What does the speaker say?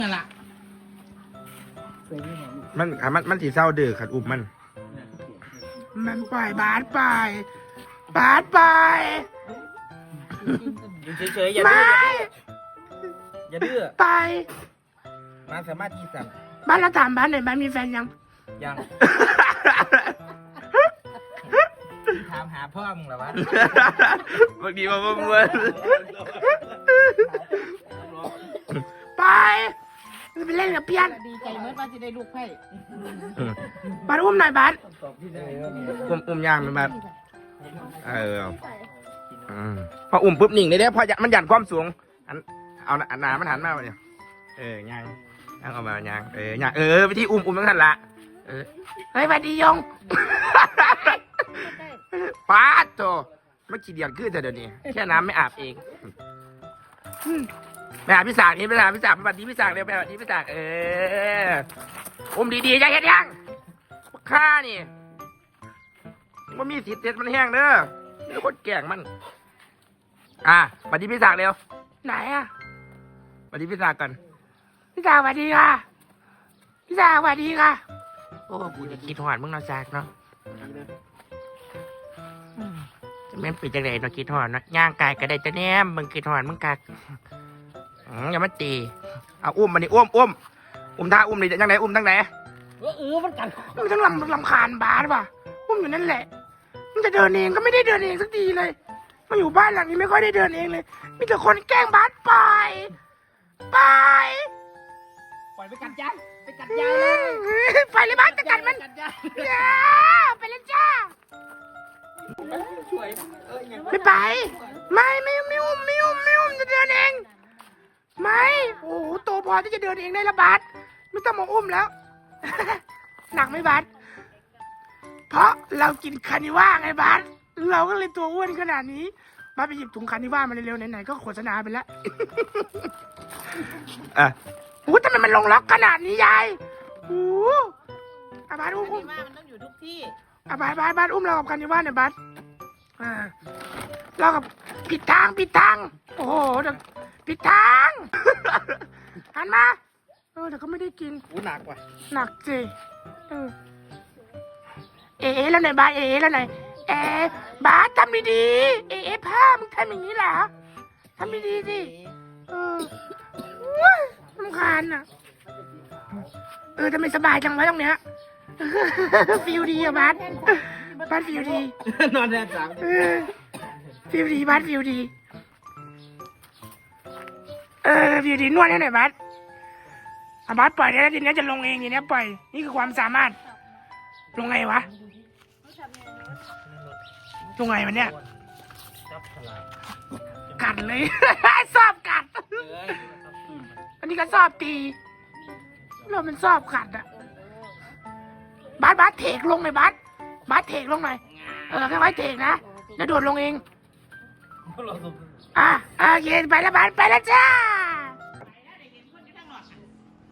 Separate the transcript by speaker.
Speaker 1: นั่นแหละ
Speaker 2: มันสีเศร้าดื้อขัดอุ้มมันปล่อยบาสไป
Speaker 3: อยู่เฉยๆอย่าดื้ออย่าดื้อ
Speaker 2: ไป
Speaker 3: มาสามารถที่สั่ง
Speaker 2: บ้านเราถามบ้านไหนบ้านมีแฟนยัง
Speaker 3: ถามหาพ่อมึงเหรอวะ
Speaker 2: บางทีมาบ้วนไปไปเล่นกับเพี้ยน
Speaker 1: ดีใจเมื่อว่าจะได้ลูกไผ่
Speaker 2: บ้านอุ้มหน่อยบ้านอุ้มย่างไหมบ้านพออุ้มปุ๊บหนิ่งเลยเด้พอมันหยันความสูงเอาหนามันหันมาเนี่ยย่างเอามาย่างย่างวิธีอุ้มต้องทันละเฮ้ยสวัสดียงป้าโตไม่ขี้เดียดขึ้นแต่เดี๋ยวนี้แค่น้ำไม่อาบเองไปหาพี่สากนี่ไปหาพี่สากไปบัดนี้พี่สากเร็วไปบัดนี้พี่สากอุ้มดีๆอย่าเห็นยังข้านี่มันมีสิทธิ์เด็ดมันแห้งเด้อนี่คนแก่งมันบัดนี้พี่สากเร็วไหนบัดนี้พี่สากกันพี่สากสวัสดีค่ะพี่สากสวัสดีค่ะโอ้กูจะคิดหอดมึงเนาะสากเนาะแม่นเป็นจังไดเนาะคิดหอดเนาะย่างกายก็ได้จะแนมมึงคิดหอดมึงกักอย่ามาตีเอาอุ้มมานี่อุ้มท่าอุ้มนี่จังไดอุ้มจังได
Speaker 1: มันกัน
Speaker 2: มันต้องลำคาญบาสว่ะอุ้มอยู่นั่นแหละมันจะเดินเองก็ไม่ได้เดินเองสักทีเลยมาอยู่บ้านหลังนี้ไม่ค่อยได้เดินเองเลยมีแต่คนแกล้งบาสไป
Speaker 1: ปล่อยไปกัดยายเลย
Speaker 2: ไปเลยบาสจะกัดมันไปเลยจ้าไม่ไปไม่อุ้มจะเดินเองไม่โอ้โหโตพอที่จะเดินเองได้ละบาสไม่ต้องมาอุ้มแล้วหนักไหมบาสเพราะเรากินคานิว่าไงบาสเราก็เลยตัวอ้วนขนาดนี้บาสไปหยิบถุงคานิว่ามาเร็วๆไหนๆก็โฆษณาไปแล้วโอ้ทำไมมันลงล็อกขนาดนี้ยายโอ้บาสอุ้ม
Speaker 1: มันต้องอยู่ทุกที่
Speaker 2: บาสอุ้มเรากับคานิว่าเนี่ยบาสเรากับผิดทางโอ้โหผิดทางหันมาแต่ก็ไม่ได้กิน
Speaker 3: หนักว่ะ
Speaker 2: หนักสิแล้วไหนบาสแล้วไหนบาสทำดีๆผ้ามึงทำอย่างนี้เหรอทำดีๆสิรำคาญอ่ะทำไมสบายจังวะตรงเนี้ยฟิลดีอะบาสฟิลดี
Speaker 3: นอนแน่จัง
Speaker 2: ฟิลดีบาสฟิลดีฟิลดีนวดให้หน่อยบาสบาสปล่อยได้แล้วทีนี้จะลงเองทีนี้ปล่อยนี่คือความสามารถลงไงวะลงไงมันเนี่ยกัดเลยชอบกัดอันนี้ก็ชอบตีเรามันชอบกัดอะบาสเทกลงหน่อยบาสเทกลงหน่อยแค่ไว้เทกนะแล้วโดดลงเองโอเคไปแล้วบาสไปแล้วจ้า